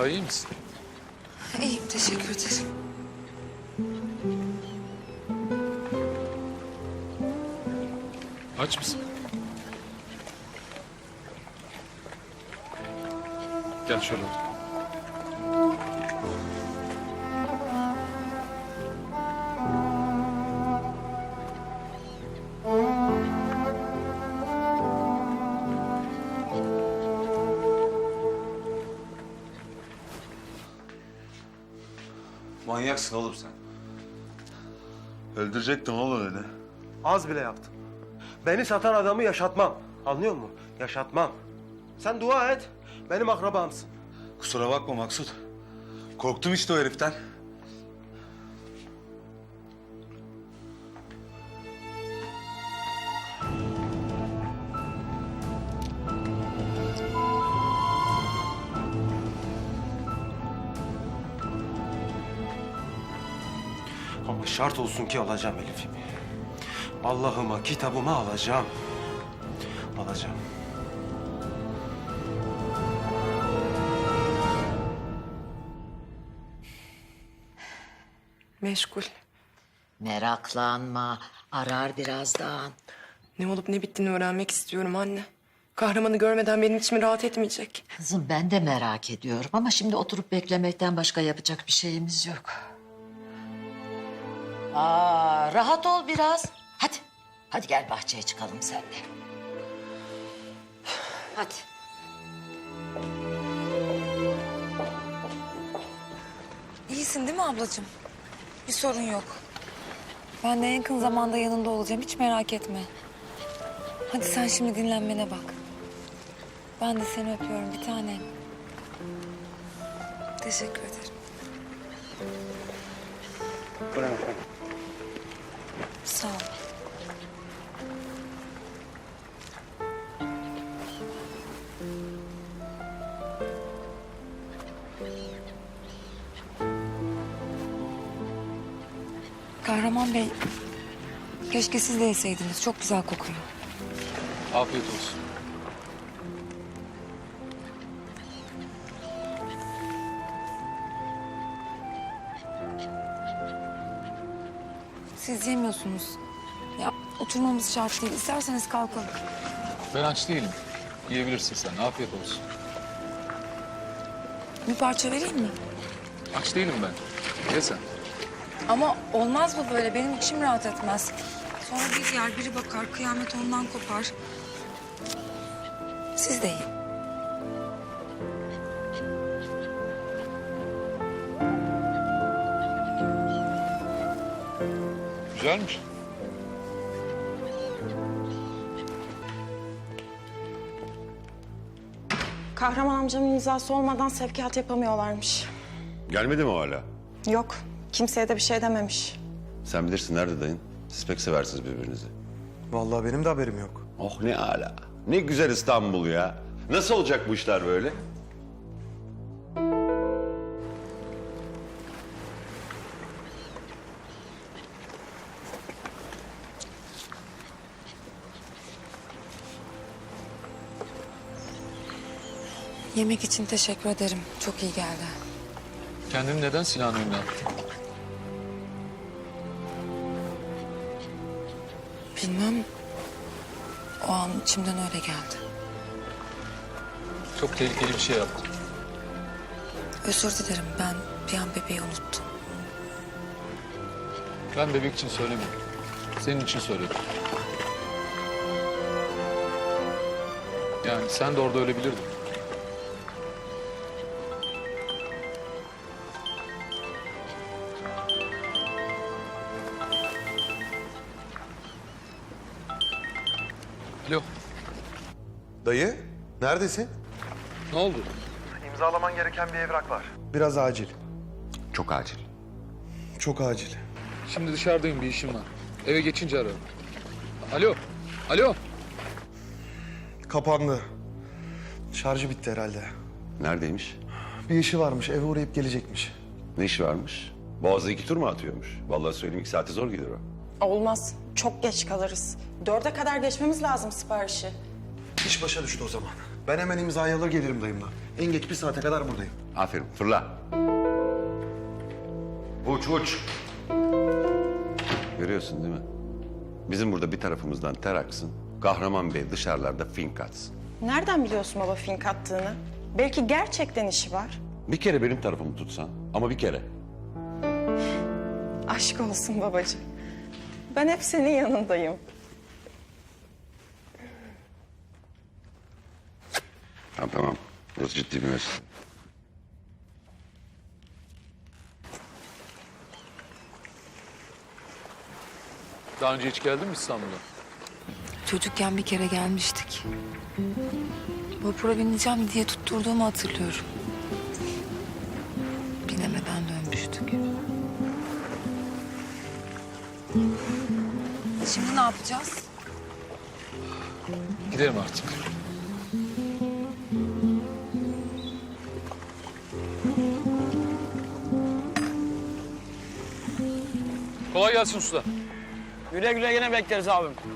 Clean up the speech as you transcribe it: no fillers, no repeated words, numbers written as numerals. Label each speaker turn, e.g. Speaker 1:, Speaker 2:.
Speaker 1: Daha iyi misin?
Speaker 2: İyiyim, teşekkür ederim.
Speaker 1: Aç mısın? Gel şöyle otur.
Speaker 3: Manyaksın oğlum sen. Öldürecektin oğlum öyle.
Speaker 4: Az bile yaptım. Beni satan adamı yaşatmam. Anlıyor musun? Yaşatmam. Sen dua et. Benim akrabamsın.
Speaker 3: Kusura bakma Maksut. Korktum işte o heriften.
Speaker 4: Ama şart olsun ki alacağım Elif'imi. Allah'ıma, kitabıma alacağım. Alacağım.
Speaker 2: Meşgul.
Speaker 5: Meraklanma, arar birazdan.
Speaker 2: Ne olup ne bittiğini öğrenmek istiyorum anne. Kahramanı görmeden benim içim rahat etmeyecek.
Speaker 5: Kızım ben de merak ediyorum ama şimdi oturup beklemekten başka yapacak bir şeyimiz yok. Rahat ol biraz. Hadi, hadi gel bahçeye çıkalım seninle. Hadi.
Speaker 6: İyisin değil mi ablacığım? Bir sorun yok. Ben de en yakın zamanda yanında olacağım. Hiç merak etme. Hadi sen şimdi dinlenmene bak. Ben de seni öpüyorum bir tanem.
Speaker 2: Teşekkür ederim.
Speaker 6: Sağ ol. Kahraman Bey, keşke siz de yeseydiniz. Çok güzel kokuyor.
Speaker 1: Afiyet olsun.
Speaker 6: Siz yemiyorsunuz. Ya oturmamız şart değil. İsterseniz kalkalım.
Speaker 1: Ben aç değilim. Yiyebilirsin sen. Afiyet olsun.
Speaker 6: Bir parça vereyim mi?
Speaker 1: Aç değilim ben. Ye sen.
Speaker 6: Ama olmaz bu böyle. Benim içim rahat etmez. Sonra bir yer biri bakar, kıyamet ondan kopar. Siz de yiyin.
Speaker 1: Güzelmiş.
Speaker 7: Kahraman amcamın imzası olmadan sevkiyat yapamıyorlarmış.
Speaker 8: Gelmedi mi hala?
Speaker 7: Yok, kimseye de bir şey dememiş.
Speaker 8: Sen bilirsin nerede dayın? Siz pek seversiniz birbirinizi.
Speaker 4: Vallahi benim de haberim yok.
Speaker 8: Oh ne hala. Ne güzel İstanbul ya. Nasıl olacak bu işler böyle?
Speaker 6: Yemek için teşekkür ederim. Çok iyi geldi.
Speaker 1: Kendini neden silahın önüne attın?
Speaker 6: Bilmem. O an içimden öyle geldi.
Speaker 1: Çok tehlikeli bir şey yaptın.
Speaker 6: Özür dilerim. Ben bir an bebeği unuttum.
Speaker 1: Ben bebek için söylemedim. Senin için söyledim. Yani sen de orada ölebilirdin. Alo,
Speaker 4: Dayı, neredesin?
Speaker 1: ne oldu?
Speaker 4: İmzalaman gereken bir evrak var. Biraz acil.
Speaker 8: Çok acil.
Speaker 4: Çok acil.
Speaker 1: Şimdi dışarıdayım, bir işim var. Eve geçince ararım. Alo, alo.
Speaker 4: Kapandı. Şarjı bitti herhalde.
Speaker 8: Neredeymiş?
Speaker 4: Bir işi varmış, eve uğrayıp gelecekmiş.
Speaker 8: Ne işi varmış? Boğaz'da 2 tur mu atıyormuş? Vallahi söyleyeyim 2 saate zor gelir o.
Speaker 7: Olmaz, çok geç kalırız. 4'e kadar geçmemiz lazım siparişi.
Speaker 9: İş başa düştü o zaman. Ben hemen imzayı alır gelirim dayımla. En geç bir saate kadar buradayım.
Speaker 8: Aferin, fırla. Uç, uç. Görüyorsun değil mi? Bizim burada bir tarafımızdan ter aksın. Kahraman Bey dışarılarda fink atsın.
Speaker 7: Nereden biliyorsun baba fink attığını? Belki gerçekten işi var.
Speaker 8: Bir kere benim tarafımı tutsan ama bir kere.
Speaker 7: Aşk olsun babacığım. Ben hep senin yanındayım.
Speaker 8: Tamam tamam. Burası ciddi bir mesele.
Speaker 1: Daha önce hiç geldin mi İstanbul'a?
Speaker 6: Çocukken bir kere gelmiştik. Vapura bineceğim diye tutturduğumu hatırlıyorum. Binemeden dönmüştük. Şimdi ne yapacağız?
Speaker 1: Gidelim artık. Kolay gelsin usta.
Speaker 10: Güle güle yine bekleriz abim.